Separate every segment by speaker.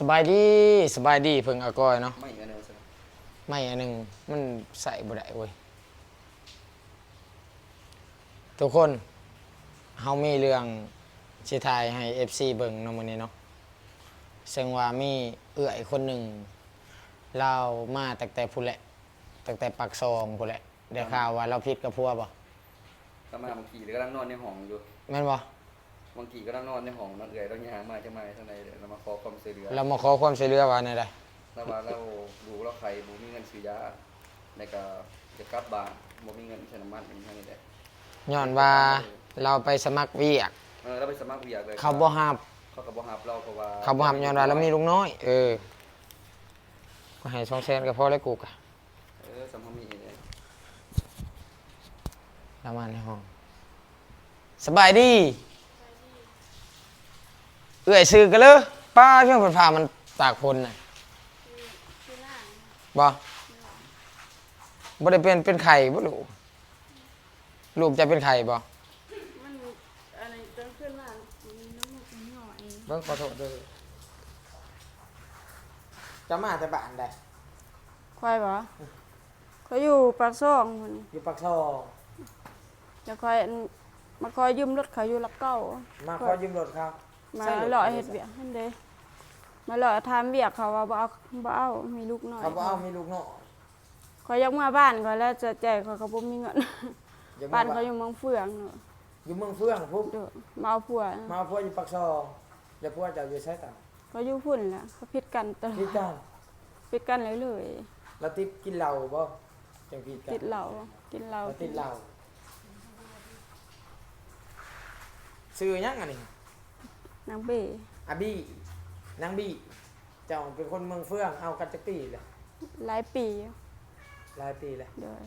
Speaker 1: บายดีสบายดีเพิ่งอากอยเนาะ
Speaker 2: ไม่อันเดียวใช่ไหม
Speaker 1: ไม่อันหนึงมันใส่บ่ได้เว้ยทุกคนเฮามีเรื่องสิถ่ายให้ FC เบิ่งเนาะมื้อนี้เนาะซึ่งว่ามีเอื้อยคนหนึ่งเรามาตั้งแต่พุ่นแหละตั้งแต่ปากซองพุ่นแหละได้ข่าวว่าเราผิดกับผัวบ่
Speaker 2: ก็มาบางทีก็กำลังนอนในห้องอยู่
Speaker 1: แม่นบ่
Speaker 2: บางทีก็กำลังนอนในห้องนอนเอื่อยเราย่างมาจะมาข้างในเดี๋ยวเรามาขอความช่วยเหลือ
Speaker 1: เรามาขอความช่วยเหลือว่าแนวใด
Speaker 2: แล้วว่าเราดูเราใครบ่มีเงินซื้อยาในก็จะกลับบ้านบ่มีเงินใช้น้ำมันอย่างนี้แหละ
Speaker 1: ย้อนว่าเราไปสมัครเวียก
Speaker 2: เราไปสมัครเวียกเลย
Speaker 1: เขาบ่รับ
Speaker 2: เขาก็บ่รับเราเพราะว่า
Speaker 1: เขาบ่รับย้อนว่าเรามีลูกน้อยก็ให้200,000ก็พอแล้วกูกะ
Speaker 2: สัมภาระเนี่ย
Speaker 1: ประมาณในห้องสบายดีเอื้อยซื้อกันเลยป้าเพียงผ่ามันตากฝนน่ะบ่ได้เป็นไข่บ่ลูกจะเป็นไข่บ่
Speaker 3: มันอะไรจนขึ้นมามีน้ำมูกหน่อย
Speaker 1: เบิ่งขอโทษด้วยจะมาแต่บ้านใด
Speaker 3: ควายบ่เขาอยู่ปากซ่องมัน
Speaker 1: อยู่ปากซอง
Speaker 3: จะคอยมาคอยยืมรถเขาอยู่ลักเก้า
Speaker 1: มาขอยืมรถครับ
Speaker 3: มาหล่อเฮ็ดเวียกนั่นเด้มาหล่อทำเวียกเขาว่าบ่เอามีลูกน้อย
Speaker 1: เขาบ่เอามีลูกน้อย
Speaker 3: คอยยกมาบ้านเขาแล้วจะแจกเขาบ่มีเงินบ้านเขาอยู่เมืองเฟืองเนาะ
Speaker 1: อยู่เมืองเฟืองพุ่น
Speaker 3: มาเอาผัว
Speaker 1: มาเอาผัวอยู่ปากซองแล้วผัวจะอยู่ไสกัน
Speaker 3: เขาอยู่พุ่นแหละเขาผิดกันตลอด
Speaker 1: ผิดกัน
Speaker 3: ผิดกันเลย
Speaker 1: แล้วติดกินเหล้าบ่จังผิดกัน
Speaker 3: ติดเหล้ากินเหล้า
Speaker 1: ติดเหล้าชื่อหยังอันนี้
Speaker 3: นางเบ
Speaker 1: อาบี้นางบี้เจ้าเป็นคนเมืองเฟืองเอากันจักปีแหละ
Speaker 3: หลายปี
Speaker 1: หลายปีแล้ว
Speaker 3: โดย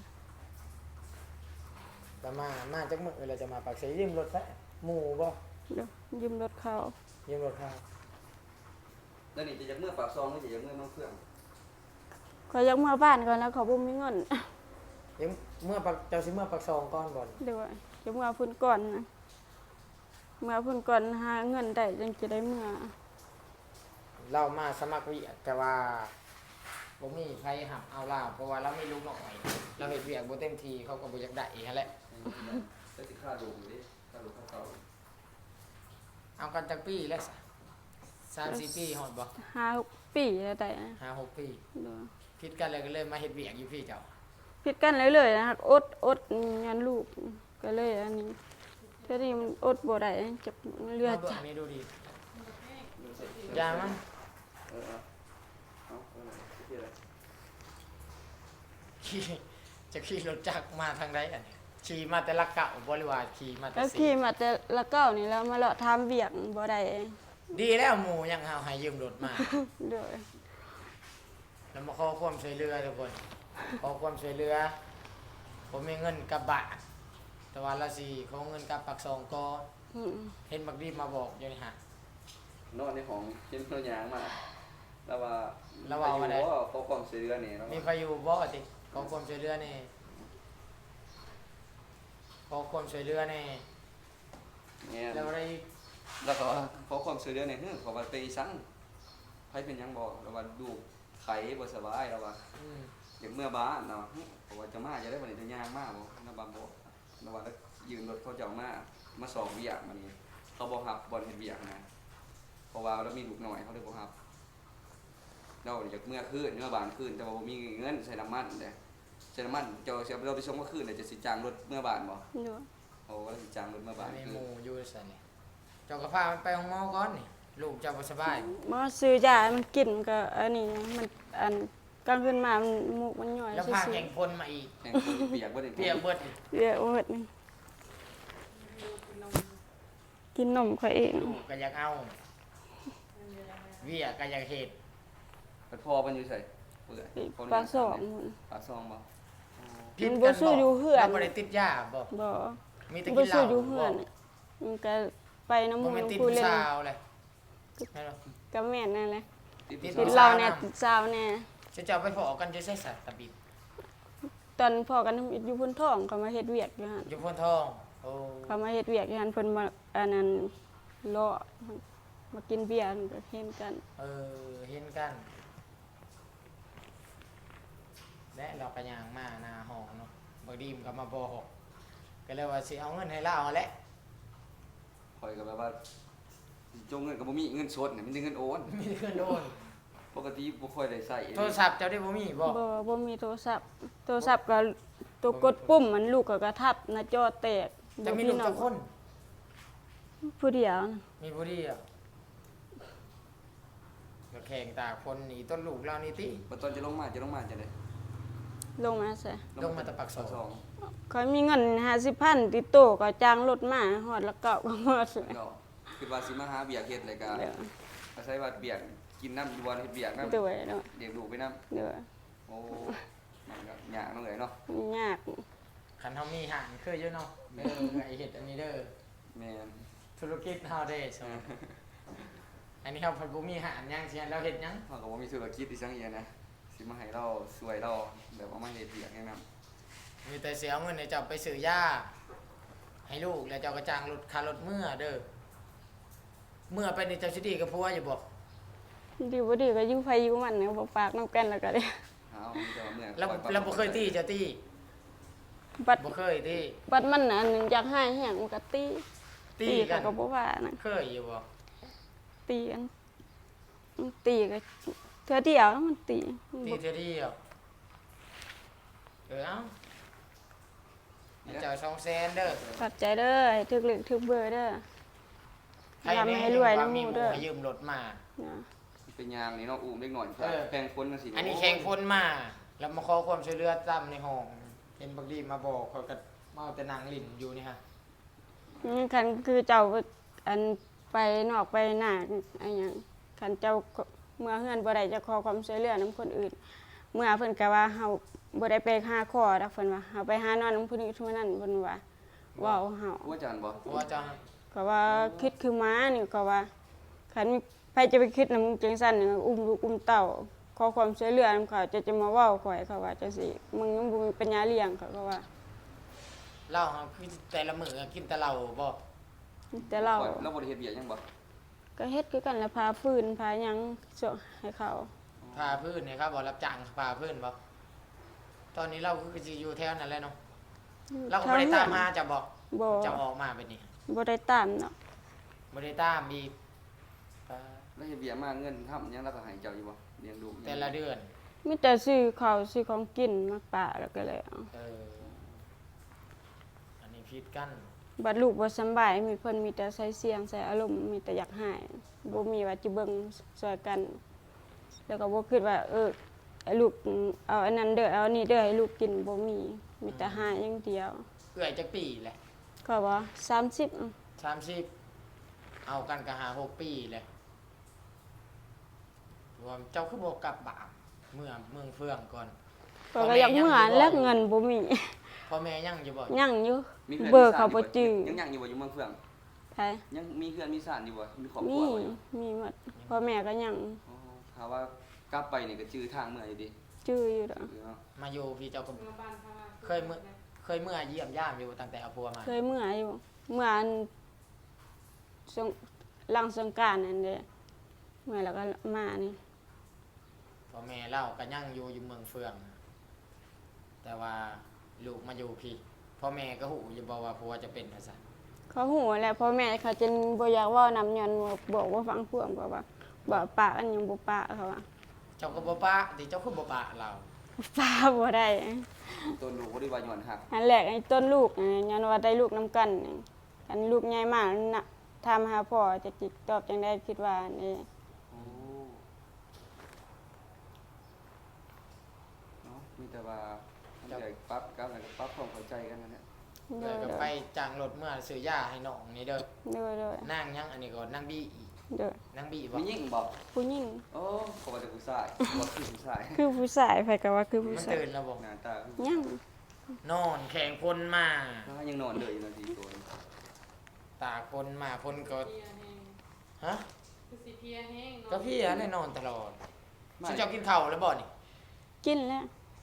Speaker 1: แต่มาจากเมืองเราจะมาปากเสยยืมรถแท้หมู่บ่
Speaker 3: ยืมรถเขา
Speaker 1: ยืมรถเขา
Speaker 2: แล้วนี่จะจากเมื่อปากซองหรือจะจากเมื่อน้องเฟื่อง
Speaker 3: เขายกมาบ้านก่อนแล้วเขาบ่มีเงิน
Speaker 1: ยังเมื่อเจ้าสิเมื่อปากซองก่อนบ่
Speaker 3: เดี๋ยวยกมาพุ่นก่อนนะมาพุ่นก่อนหาเงินได้จังจะได้เมื่อ
Speaker 1: เรามาสมัครเวียกแต่ว่าบ่มีไผหับเอาเราเพราะว่าเรามีลูกน้อยเราเฮ็ดเวียกบ่เต็มที่เขาก็บ่อยากได้อีกหั่นแหละ
Speaker 2: แล้วสิค่าดูดิค่าดูค่าเก่า
Speaker 1: เอากันจักปีแล้ว3-4 ปีฮอดบ่
Speaker 3: 5-6 ปีแล้วได้นะ
Speaker 1: 5-6 ปีผิดกันเลยก็เลยมาเฮ็ดเวียกอยู่พี่เจ้า
Speaker 3: ผิดกันเลยๆนะครับอดงานลูกก็เลยอันนี้เท่านี้มันอดบ่ได้จับเลือด
Speaker 1: จับนี่ดูดิยามั้งจะขี่รถจักรมาทางใดอันนี้ขี่มาแต่ละเก่าบริวารขี่มาแต่
Speaker 3: แล้วขี่มาแต่ละเก้านี่แล้วมาเลาะทำเวียกบ่ได้
Speaker 1: ดีแล้วหมู่ยังเอาให้ยืมรถมา
Speaker 3: เด้อ
Speaker 1: แล้วมาขอความช่วยเหลือทุกคนขอความช่วยเหลือผมมีเงินกลับบ้านแต่ว่าละสิขอเงินกลับปากซองก็เห็นบักดีมาบอกอยู่นี่ฮะ
Speaker 2: นอนในห้องเห็นเพิ่นย่างมาแล้วว่า
Speaker 1: ว่าได้
Speaker 2: ขอความช่วยเหลือนี่
Speaker 1: มีใครอยู่บ่ติขอความช่วยเหลือนี่ขอความช่วยเหลือนี่แล้วอะไร
Speaker 2: แล้วก็ขอความช่วยเหลือนี่ขอว่าไปสั่งไผเป็นหยังบ่แล้วว่าดูไข้บ่สบายแล้วว่าอย่างเมื่อบ้านเนาะเพราะว่าจะมาจะได้วันนี้จะย่างมาบ่นะบ่บ่แล้วว่ายืมรถเขาจะเอามาสอบเวียกมานี่เขาบ่รับบ่เฮ็ดเวียกนะเพราะว่าเรามีลูกน้อยเขาเลยบ่รับเราอยากเมื่อคืนเมื่อบ้านคืนแต่ว่าบ่มีเงินใช้น้ำมันเด้ใช้น้ำมันเจ้าสิเราไปส่งเมื่อคืนจะสิจ้างรถเมื่อบ้านบ่โอ้ก็สิจ้างรถเมื่อบ้าน
Speaker 1: มีหมู่อยู่ซั่นนี่เจ้าก็พามันไปห้องหมอก่อนนี่ลูกเจ้าบ่สบาย
Speaker 3: บ่ซื้อยามันกินก็อันนี้มันอันกลางคืนมามันมูกมันย่อย
Speaker 1: แล้วพาแข่งพลมาอีก
Speaker 2: แข่งพลเปียกเบิด
Speaker 1: เปียกเบิด
Speaker 3: นี่กินนมเขาเอง
Speaker 1: ลูกก็อยากเอาเวียก็อยากเฮ็ด
Speaker 2: แต่พ่อมันอยู่ไสเปื่อย
Speaker 3: ปลาซอง
Speaker 2: ปลาซองบ่
Speaker 3: มันบ่ซื้ออยู่เฮือน
Speaker 1: บ่ได้ติดยาบ่มีแต่กินเหล้า
Speaker 3: บ่ซื้ออยู่เฮือนมันก็ไปน้ำมูกผู้เล่นก็แม่นนั่นแหละติดเหล้าแน่ติดซาวแน่
Speaker 1: เจ้าไปพอกันจะใส่สัตว์ตะบิด
Speaker 3: ตอนพอกันอยู่พุ่นท้องเขามาเฮ็ดเวียกอยู่หั่น
Speaker 1: อยู่พุ่นทองโอ้
Speaker 3: เขามาเฮ็ดเวียกอยู่หั่นเพิ่นมาอันนั้นเลาะมากินเบียร์ก็เห็นกัน
Speaker 1: เห็นกัน และเราก็ย่างมาหน้าห้องเนาะบ่ดีมก็มาบอกก็เลยว่าสิเอาเงินให้เราแหละ
Speaker 2: ข่อยก็แบบว่าจงเงินก็บ่มีเงินสดเนี่ยมีแต่เงินโอน
Speaker 1: มีเงินโอน
Speaker 2: ปกติบ่ค่อยได้ใช้
Speaker 1: โทรศัพท์เจ้าได้บ่มีบ่
Speaker 3: บ่มีโทรศัพท์ก็ตัวกดปุ่มมันลูกก็กระทับหน้าจอแตก
Speaker 1: จะมีลูกจักคน
Speaker 3: ผู้เดียวนะ
Speaker 1: มีผู้เดียวก็แข่งตากคนหนีต้นลูกเรานี่ติ
Speaker 2: บัดตอนจะลงมาจะได้
Speaker 3: ลงมาซะ
Speaker 1: ลงมาแตะปักส
Speaker 2: ส
Speaker 1: อ
Speaker 2: อง ง
Speaker 3: เขามีเงิน50,000ติดโต๊ะก็จ้างรถมาฮอดละเก้าก็หมดเลย
Speaker 2: เนาะคือว่าสิมาหาเบียร์เฮ็ดเลยก็
Speaker 3: เดี๋ยว
Speaker 2: อาศัยว่าเบียร์กินน้ำอยู่บ่เฮ็ดเบียร์นำ
Speaker 3: ด้วยเนาะ
Speaker 2: เลี้ยงลูกไปนำ
Speaker 3: เดี๋ยว
Speaker 2: โอ้มันก็ยากเนาะเอ้ยเนาะ
Speaker 3: ยาก
Speaker 1: คันเฮามีหารคืออยู่เนาะไอเฮ็ดอันนี้เด้อ
Speaker 2: แม่น
Speaker 1: ธุรกิจเฮาเด้สอันนี้เฮาเพิ่นบ่มีหารหยังสิเราเฮ็ดหยัง
Speaker 2: เฮาก็บ่มีธุรกิจอีสังเอียนะสิมาให้เราช่วยเราแบบว่ามาเฮ็ดเบียร์แนะนำ
Speaker 1: มีแต่สิเอาเงินให้เจ้าไปซื้อยาให้ลูกแล้วเจ้าก็จ้างรถค่ารถเมื่อเด้อเมื่อไปนี่เจ้าสิดีกับผัวอยู่บ่
Speaker 3: ดีบ่ดีก็อยู่ไผอยู่มันเนี่ยบ่ปากน้ำกันแล้วก็ได้
Speaker 2: เอามีแต่ว่าเมื่อ
Speaker 1: เราบ่เคยตีเจ้าตี
Speaker 3: บัด
Speaker 1: บ่เคยตี
Speaker 3: บัดมันน่ะอันหนึงอยากให้แห้งมันก็ตี
Speaker 1: ตีกัน
Speaker 3: ก็บ่ว่านะ
Speaker 1: เคยอยู่บ่
Speaker 3: ตีกันตีก็เทื่อเดียวแล้วมันตี
Speaker 1: ตีเท่าเดียวเอาให้เจ้า200,000เด้อ
Speaker 3: ขอบใจเด้อให้ถึกเลขถึกเบอร์เด้อ
Speaker 1: ใคร
Speaker 3: ทำ
Speaker 1: นี่
Speaker 3: ให้รวยน้ำ
Speaker 1: มี
Speaker 3: มู
Speaker 1: ห
Speaker 3: เด้อ
Speaker 1: ให้ยืมรถมา
Speaker 3: นะ
Speaker 2: เป็นยางนี่เนาะอุ้มเล็กหน่อย
Speaker 1: เออ
Speaker 2: แพงคนจังซี่
Speaker 1: อันนี้แข่งคนมา แล้วมาขอความช่วยเหลือตามในห้องเห็นบักดีมาบอกเขาก็มาเอาแต่นางลิ้นอยู่นี่ฮะ
Speaker 3: นี่คันคือเจ้าอันไปนอกไปหน้าอันหยังคันเจ้าเมื่อเฮือนบ่ได้จะขอความช่วยเหลือนำคนอื่น เมื่อเพิ่นก็ว่าเฮาบ่ได้ไปหาขอดอกเพิ่นว่าเฮาไปหานอนนำผู้นี้ผู้นั้นเพิ่นว่าเว้าเฮา
Speaker 2: ว่าจันบ่
Speaker 1: เพราะว่าเจะ
Speaker 3: ก็ว่าคิดคือม้านี่ก็ว่าคันมีไผจะไปคิดนำจังซั่นนี่อุ้มลูกอุ้มเต้าขอความช่วยเหลือนำเขาจะมาเว้าข่อยเขาว่าจังซี่มึงยังบ่มีปัญญาเลี้ยงเขาก็ว่า
Speaker 1: เหล้าครับคือแต่ละมื้อกินแต่เหล้าบ่
Speaker 3: แต่เรา
Speaker 2: เราบ่ได้เฮ็ดเบียร์หยังบ่
Speaker 3: ก็เฮ็ดคือกันแหล้วพาฟืนพาหยังส่งให้เขา
Speaker 1: พาพื้นเนี่ยครับบ่รับจ้างพาพื้นบ่ตอนนี้เราคือสิอยู่แถวนั้นแหละเนาะเราก็บ่ได้ตามหาจะบอก
Speaker 3: บ่
Speaker 1: จะออกมาเป็นนี่
Speaker 3: บ่ได้ตามเนาะ
Speaker 1: บ่ได้ตามอีก
Speaker 2: แล้วเฮ็ดเบียร์มาเงินทำหยังเราก็ให้เจ้าอยู่บ่เลี้ยงลูก
Speaker 1: แต่ละเดือน
Speaker 3: มีแต่ซื้อข้าวซื้อของกินมาปะแล้วก็แล้ว
Speaker 1: เอออันนี้ผิดกัน
Speaker 3: บัดลูกบ่สำบายมีเพิ่นมีแต่ใส่เสียงใส่อารมณ์มีแต่อยากหายบ่มีว่าจิเบิ่งช่วยกัน แล้วก็บ่คิดว่าให้ลูกเอาอันนั้นเด้อเอาอันนี้เด้อให้ลูกกินบ่มีแต่หายอย่างเดียว
Speaker 1: เอื้อยจักปีแหละ
Speaker 3: ก็ว่า30
Speaker 1: 30เอากันก็5-6 ปีแหละรวมเจ้าคือบ่กลับบ้านเมืองเฟืองก่อน
Speaker 3: ก็อยากเมื่อแล้วเงินบ่มี
Speaker 1: พ่อแม่ยังอยู่บ่
Speaker 3: ยังอยู่
Speaker 2: มีพื่อน
Speaker 3: เบอร์เขาบ่จื้อ
Speaker 2: ยังอยู่บ่อยู่เมืองเฟือง
Speaker 3: ไผ
Speaker 2: ยังมีเพื่อนมีสานอยู่บ่มีครอบค
Speaker 3: มี
Speaker 2: รัวบ่อยู่
Speaker 3: มีหมดพ่อแม่ก็ยัง
Speaker 2: อ๋อถ้าว่ากลับไปนี่ก็จื้อทางเมื่ออยู่ดิ
Speaker 3: จื้ออยู่ดอก
Speaker 2: เนาะ
Speaker 1: มาอยู่พี่เจ้าก็เคยเมื่อเยี่ยมยามอยู่ตั้งแต่เอาผัวมา
Speaker 3: เคยเมื่ออยู่เมื่ออันสงหลังสงกรานต์นั่นเด้เมื่อแล้วก็มานี่
Speaker 1: พ่อแม่เล่าก็ยังอยู่เมืองเฟือง แต่ว่าลูกมาอยู่พี่พ่อแม่ก็หูอยู่บอกว่าผัวจะเป็นว่าซั่น
Speaker 3: เขาหูแหล้วพ่อแม่เขาจนบ่อยากเว้านำย้อนบอกว่าฟังพวกเพราะว่าบ่ปากอันยังบ่ปากเขาว่า
Speaker 1: เจ้าก็บ่ปะดิเจ้าคือบ่ปะเรา
Speaker 3: ปาบ่ได้
Speaker 2: ตัวลูกบ่ได้ว่าย้อนหัก
Speaker 3: อันแรกไอ้ต้นลูกย้อนว่าได้ลูกนํกันอันลูกใหญ่มากน่ะถามหาพ่อจะติดตอบจังได๋คิดว่านี่
Speaker 2: โอ้เนาะมีแต่ว่ามันใหญ่ปั๊บกับแล้วก็ปั๊บความเข้าใจกันนั่นแหละ
Speaker 1: เล
Speaker 3: เด้
Speaker 1: ย
Speaker 3: อ
Speaker 1: ก็ไปจ้างรถเมื่อซื้อยาให้น้องนี่เด้อ
Speaker 3: เด้อเด้อ
Speaker 1: นั่งยังอันนี้ก็นั่งบี้อีก
Speaker 3: เด้อ
Speaker 1: นั่งบี้บ่
Speaker 2: มียิ่งบ่
Speaker 3: ผู้หญิง
Speaker 2: โอ้เขาว่าแต่ผู้ชายบ่คือผู้ชาย
Speaker 3: คือผู้ชายไผก็ว่าคือผู้
Speaker 1: มัน
Speaker 3: ชาย
Speaker 1: ตื่นแล้วบ่
Speaker 2: หน้าตาคือ
Speaker 3: ยัง
Speaker 1: นอนแข่งพลมา
Speaker 2: ยังนอนเลยอยู่นาทีตัวนึง
Speaker 1: ตากพลมาพลก็ฮะ
Speaker 4: คือสิเพลียแห้ง
Speaker 1: ก็พี่อะได้นอนตลอดสิเจ้ากินข้าวแล้วบ่นี่
Speaker 3: กินแล้ว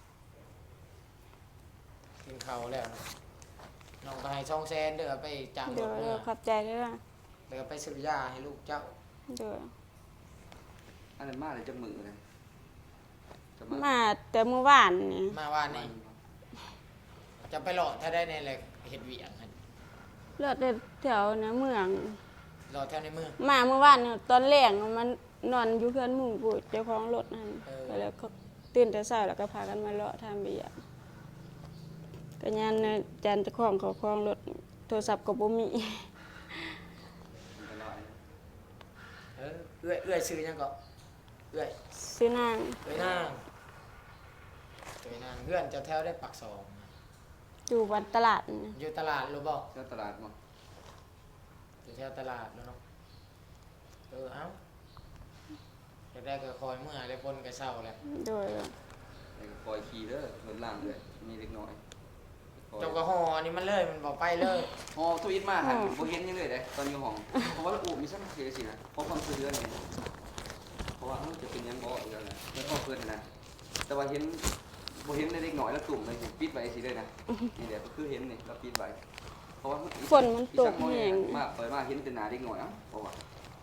Speaker 1: กินข้าวแล้วนะน้องก็ให้200,000เด้อไปจ้างร
Speaker 3: เด้อ
Speaker 1: ถ
Speaker 3: เด้
Speaker 1: เมื่
Speaker 3: อ
Speaker 1: อ
Speaker 3: ขอบใจเด้อ
Speaker 1: แล้วก็ไปซื้อยาให้ลูกเจ้า
Speaker 3: โดย
Speaker 2: อันนั้นมาได้จักมื้อเลยจะ
Speaker 3: มาแต่เมื่อวานนี่
Speaker 1: มาว่านี่จะไปหลอดถ้าได้ในอะไรเฮ็ดเวียงหั่น
Speaker 3: เลือดแถวนะเมือง
Speaker 1: หลอดแถวในเมือง
Speaker 3: มาเมื่อวานนี่ตอนแรกมันนอนอยู่เพื่อนหมู่กูเจ้าของรถนั่น
Speaker 1: เออ
Speaker 3: ก็เลยก็ตื่นแต่เช้าแล้วก็พากันมาเลาะทางเบียร์ก็ยันนะจันเจ้าของเขาคลองรถโทรศัพท์ก็บ่มี
Speaker 2: อันตราย
Speaker 1: เอื้อยซื้อหยังก็เอื้อย
Speaker 3: ซื้อนาง
Speaker 1: เอื้อยนางเอื้อยนางเพื่อนเจ้าแถวได้ปักสอง
Speaker 3: อยู่วันตลาดนี่
Speaker 1: อยู่ตลาดรู้บ่
Speaker 2: เจ้าตลาดบ่
Speaker 1: อยู่แถวตลาดแล้วเนาะเอ้าจะได้ก็คอยเมื่อได้พ้นก็เศร้าแล้ว
Speaker 3: โดย
Speaker 2: แล้วก็คอยขี่เด้อรถล่างด้วยมีเล็กน้อยคอย
Speaker 1: เจ้าก็ห่ออันนี้มันเลยมันบ่ไปเลย
Speaker 2: ฮอทวิตมาหันบ่เห็นยังเลยเด้ตอนอยู่ห้องเพราะว่าอูมีซ้ำเสียสินะเพราะความช่วยเหลือนี่เพราะว่าจะเป็นหยังบ่อีกแล้วนะแล้วก็เพิ่นนะแต่ว่าเห็นบ่เห็นในเล็กน้อยแล้วตุ่มเลยสิปิดไว้สิเลยนะนี่แหละก็คือเห็นนี่แล้วปิดไว้เพราะว่า
Speaker 3: ฝนมันตกแห้ง
Speaker 2: มาเปิดมาเห็นแต่หน้าเล็กน้อยเอ้าเพราะว่า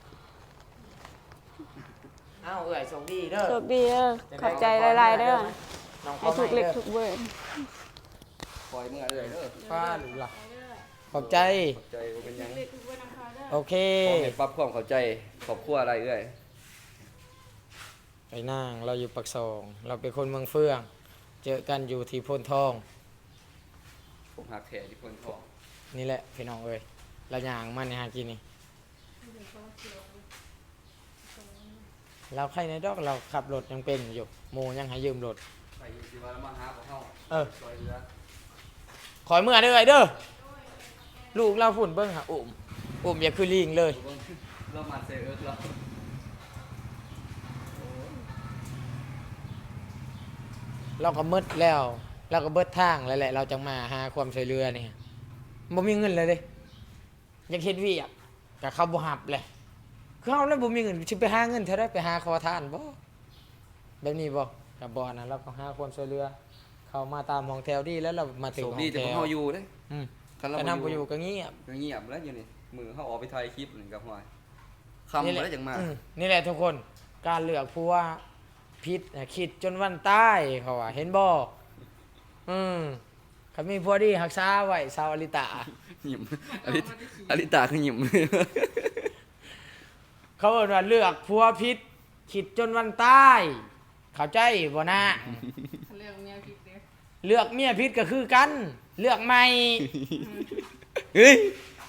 Speaker 1: เอ้าเอื้อยโชคดีเด้อ
Speaker 3: โชคดีเด้อขอบใจหลายๆเด้อ
Speaker 1: น้องข
Speaker 3: ให้
Speaker 1: อ
Speaker 3: ถูกเล็ก
Speaker 1: ด้อ
Speaker 3: ถูกเบิด
Speaker 2: คอยเมื่อเลยเด้อ
Speaker 1: ฟ้าหรือล่ะขอบใจ
Speaker 2: ขอบใจบ่เป็นหยัง
Speaker 1: โอเค
Speaker 2: ขอให้ปรับความเข้าใจครอบครัวอะไรเอ้ย
Speaker 1: ไอ้นางเราอยู่ปักซอง เราเป็นคนเมืองเฟื่อง เจอกันอยู่ที่โพนทอง
Speaker 2: ผมหักแท้ที่คนท้อง
Speaker 1: นี่แหละพี่น้องเอ้ยเราย่างมันในหากินนี่เราใครในดอกเราขับรถยังเป็นอยู่โมยังให้ยืมรถ
Speaker 2: ไปอยู่สิว่ามาหาของเฮา
Speaker 1: เออ
Speaker 2: ซอยเรือ
Speaker 1: ขอยเมื่อเด้อไอ้เด้อลูกเราฝุ่นเบิ้งหาอุ้มอย่าคือลิงเลย
Speaker 2: เรามาเซเอิร์กแล้ว
Speaker 1: เราก็มืดแล้วเราก็เบิดทางแล้วแหละเราจังมาหาความช่วยเหลือนี่บ่มีเงินเลยเด้อยากเฮ็ดเวียกก็เขาบ่หับเลยคือเฮานั้นบ่มีเงินสิไปหาเงินเท่าไดไปหาขอทานบ่แบบนี้บ่ก็บ่นะเราก็หาความช่วยเหลือเข้ามาตามห้องแถวดีแล้วเรามาถึง
Speaker 2: โชค
Speaker 1: ห้อ
Speaker 2: ดี
Speaker 1: ง
Speaker 2: แต่
Speaker 1: แถ
Speaker 2: พวก
Speaker 1: ว
Speaker 2: เฮาอยู่เด้
Speaker 1: อืม
Speaker 2: คันเรา
Speaker 1: แต่
Speaker 2: บ่
Speaker 1: นำบ่อยู่ก็เงียบ
Speaker 2: ก็เงียบแล้วอยู่นี่มือเฮาออกไปถ่ายคลิปนี่กับห้อยคำบ่ได้จังมา
Speaker 1: นี่แหละทุกคนการเลือกผู้ว่าพิษน่ะคิดจนวันตายเขาว่าเห็นบ่เขามีผัวดีรักษาไว้สาวอลิตา
Speaker 2: หยิมอลิตาคือหยิม
Speaker 1: เขาเอิ้นว่าเลือกผัวพิษคิดจนวันตาย เข้าใจบ่นะ
Speaker 4: เรื่องเมียผิดเด้อ
Speaker 1: เลือกเมียพิษก็คือกัน เลือกใหม่
Speaker 2: เฮ้ย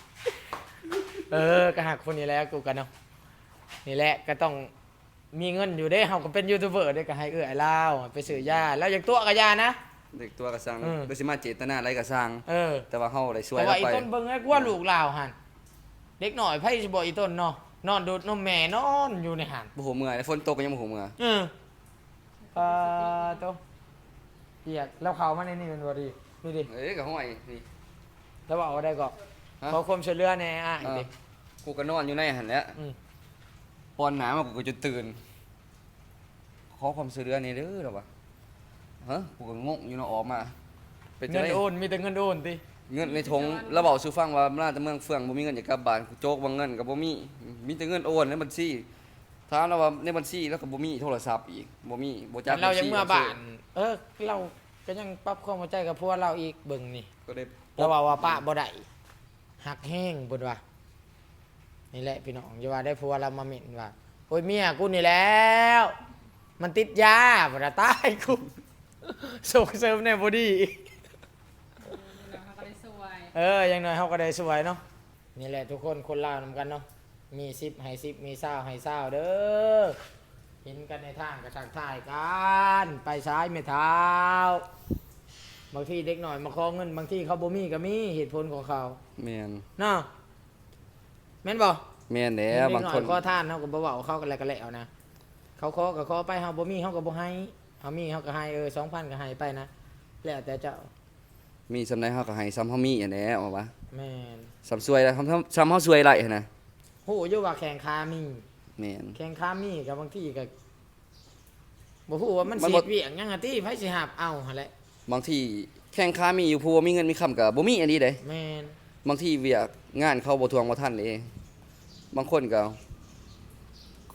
Speaker 1: ก็หักคนนี้แหล้วกูกันเนาะนี่แหละก็ต้องมีเงินอยู่เด้เฮาก็เป็นยูทูบเบอร์ได้ก็ให้เอื้อลาวไปซื้อยาแล้วอย่างตัวก็ยานะ
Speaker 2: เด็กตัวกระสัง
Speaker 1: อืม
Speaker 2: บ่สิมาเจตนาอะไรกระสัง
Speaker 1: เออ
Speaker 2: แต่ว่าเฮาได้ช่วย
Speaker 1: แต่
Speaker 2: เรา
Speaker 1: ว่าอี
Speaker 2: ไป
Speaker 1: ต้นเบิ่งให้กว่าลูกลาวหั่นเด็กหน่อยไผสิบ่อีต้นเนาะนอนดูดนมแม่นอนอยู่ในหั่น
Speaker 2: บ่ฮู้เมื่อยฝนตกก็ยังบ่ฮู้เมื่อย
Speaker 1: ปาโตเปียกแล้วเข้ามาในนี่มันบ่ดีนี่ดิ
Speaker 2: เอ้ยก็ห้อยนี่
Speaker 1: แล้วว่าเอาได้ก็
Speaker 2: ฮะ
Speaker 1: ขอความช่วยเหลือแหน่อ่ะ
Speaker 2: เออ
Speaker 1: ดิ
Speaker 2: กูก็นอนอยู่ในหั่นแหละ
Speaker 1: อืม
Speaker 2: ปอนหนามากูก็จะตื่น ขอความช่วยเหลือนี่เด้อล่ะวะฮะกูก็งงอยู่เนาะออกมา เป็นจั
Speaker 1: เงิ
Speaker 2: ง
Speaker 1: น
Speaker 2: ได๋
Speaker 1: โอนมีแต่เงินโอนติ
Speaker 2: เงินในถุงแล้วเว้าสู่ฟังว่ามาแต่เมืองเฟืองบ่มีเงินอยากกลับบ้านกูโจกว่าเงินก็บ่มีแต่เงินโอนในบัญชีถามแล้วว่าในบัญชีแล้วก็บ่มีโทรศัพท์อีกบ่มีบ่จัก
Speaker 1: เรายัง
Speaker 2: บัญชี
Speaker 1: เมื่อบ้าน เราก็ยังปรับความเข้าใจกับพวกเราอีกเบิ่งนี่
Speaker 2: ก็ได้
Speaker 1: เราว่าป้าบ่ได้หักแห้งเบิ่นว่านี่แหละพี่น้องอย่าว่าได้ผัวเรามาเหม็นว่าโอ้ยเมียกูนี่แล้ว มันติดยาบ่ได้ตายกู ส่งเสริมในบ่ดี
Speaker 4: แล้วเขาก็ได้สวย
Speaker 1: อย่างน้อยเฮาก็ได้สวยเนาะนี่แหละทุกคนคนลาวนำกันเนาะมี10ให้10มี20ให้20เด้อเห็นกันในทางก็ทักทายกันไปซ้ายไม่เท้าบางทีเด็กหน่อยมาขอเงินบางทีเขาบ่มีก็มีเหตุผลของเขา
Speaker 2: แม่น
Speaker 1: เนาะแม่นบ่
Speaker 2: แม่นแหล้
Speaker 1: เด็ก
Speaker 2: บาง
Speaker 1: หน่อ
Speaker 2: ค
Speaker 1: ย
Speaker 2: น
Speaker 1: ขอทานเฮาก็บ่เว้าเขาก็แล้วก็แล้วนะเขาขอก็ขอไปเฮาบ่มีเฮาก็บ่ให้เฮามีเฮาก็ให้2,000ก็ให้ไปนะแล้วแต่เจ้า
Speaker 2: มีสำาใดเฮาก็ให้ซ้ำเฮามีอันแหละเอาวะ
Speaker 1: แม่น
Speaker 2: ซ้ำสวยแล้วซ้ำเฮาสวยไรหั่นน่ะ
Speaker 1: ฮู้อยู่ว่าแข่งขามี
Speaker 2: แม่น
Speaker 1: แข่งขามีกับบางทีก็บ่ฮู้ว่ามัน
Speaker 2: มัน
Speaker 1: สิ
Speaker 2: บ่
Speaker 1: เวียงหยังอะติไผสิหาบเอาหั่นแหละ
Speaker 2: บางทีแข่งค้ามีอยู่ผู้ว่ามีเงินมีคำก็บ่มีอันนี้เด้
Speaker 1: แม่น
Speaker 2: บางทีเวียกงานเขาบ่ทวงบ่ทันเด้บางคนก็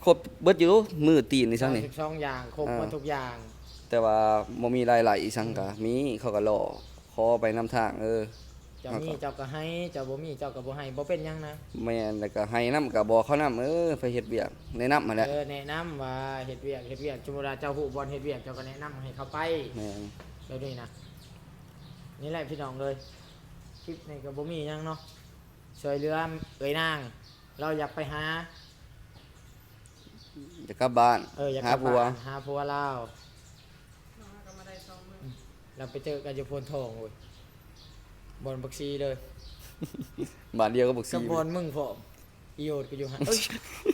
Speaker 2: ครบเบิดอยู่มือตีนนี่ซั่งนี่
Speaker 1: 12อย่างครบหมดทุกอย่าง
Speaker 2: แต่ว่าบ่มีรายละอีสังก็มีเขาก็รอขอไปนำทาง
Speaker 1: เจ้ามีเจ้าก็ให้เจ้าบ่มีเจ้าก็บ่ให้บ่เป็นหยังนะ
Speaker 2: แม่นแล้วก็ให้นำก็บอกเขานำไปเฮ็ดเวียกแนะนำมาแหละ
Speaker 1: แนะนำว่าเฮ็ดเวียกสมมุติว่าเจ้าฮู้บ่อนเฮ็ดเวียกเจ้าก็แนะนำให้เขาไป
Speaker 2: แม่น
Speaker 1: แบบนี้นะนี่แหละพี่น้องเลยคลิปนี้ก็บ่มีหยังเนาะช่วยเหลือเอ้ยนาง เราอยากไปหา
Speaker 2: จะกลับบ้าน
Speaker 1: อยาก
Speaker 2: หาก
Speaker 1: ลับ
Speaker 2: ผัว
Speaker 1: บ้านหาผัวเรา
Speaker 4: น้องก็มาได้2มื้อ
Speaker 1: เราไปเจอกันอยู่โพนทองเว้ยบอนบักซีเลย
Speaker 2: บ้านเดียวก็บ่
Speaker 1: กั
Speaker 2: ซี
Speaker 1: บบอนมึงพร้อมอีโอดก็อยู่หันเอ้ย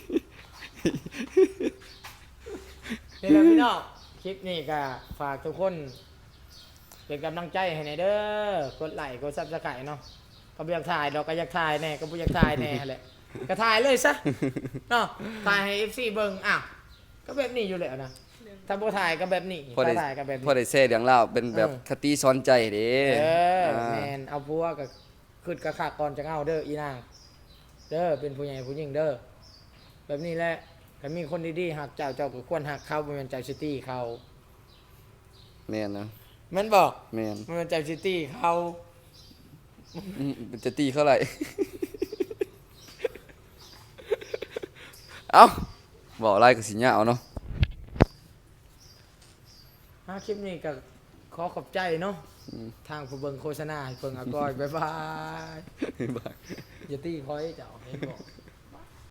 Speaker 1: นี่แหละพี่น้องคลิปนี้ก็ฝากทุกคนเป็นกำลังใจให้ในอยเด้อกดไลค์กดซับสไครต์เนาะก็บ่อยากถ่ายดอกก็อยากถ่ายแน่ก็บ่อยากถ่ายแน่แหละก็ถ่ายเลยซะเนาะถ่ายให้ FC เบิ่งอ้าวก็แบบนี้อยู่แล้วนะถ้าบ่ถ่ายก็แบบนี้
Speaker 2: พอได้
Speaker 1: ถ้าถ่ายก็แบบนี้
Speaker 2: พอได้แซ่เรื่องราวเป็นแบบคติสอนใจเด้
Speaker 1: แมนเอาผัวก็ขึ้นกระขากก่อนจะเอาเด้ออีนางเด้อเป็นผู้ใหญ่ผู้หญิงเด้อแบบนี้แหละถ้ามีคนดีๆหักเจ้าเจ้าก็ควรหักเขาบ่แม่นใจซิตี้เขา
Speaker 2: แม่นนะ
Speaker 1: แม่นบอก
Speaker 2: แม่น
Speaker 1: บ่แม่นใจซิตี้เขา
Speaker 2: จะตีเขาไหร่ เอ้าบอกอะไรก็สิยาวเนาะ
Speaker 1: คลิปนี้ก็ขอขอบใจเนาะทางผู้เบิ่งโฆษณาให้เพิ่งอากอยบ๊ายบาย
Speaker 2: บาย
Speaker 1: อย่าตีคอยเจ้าเห็นบอก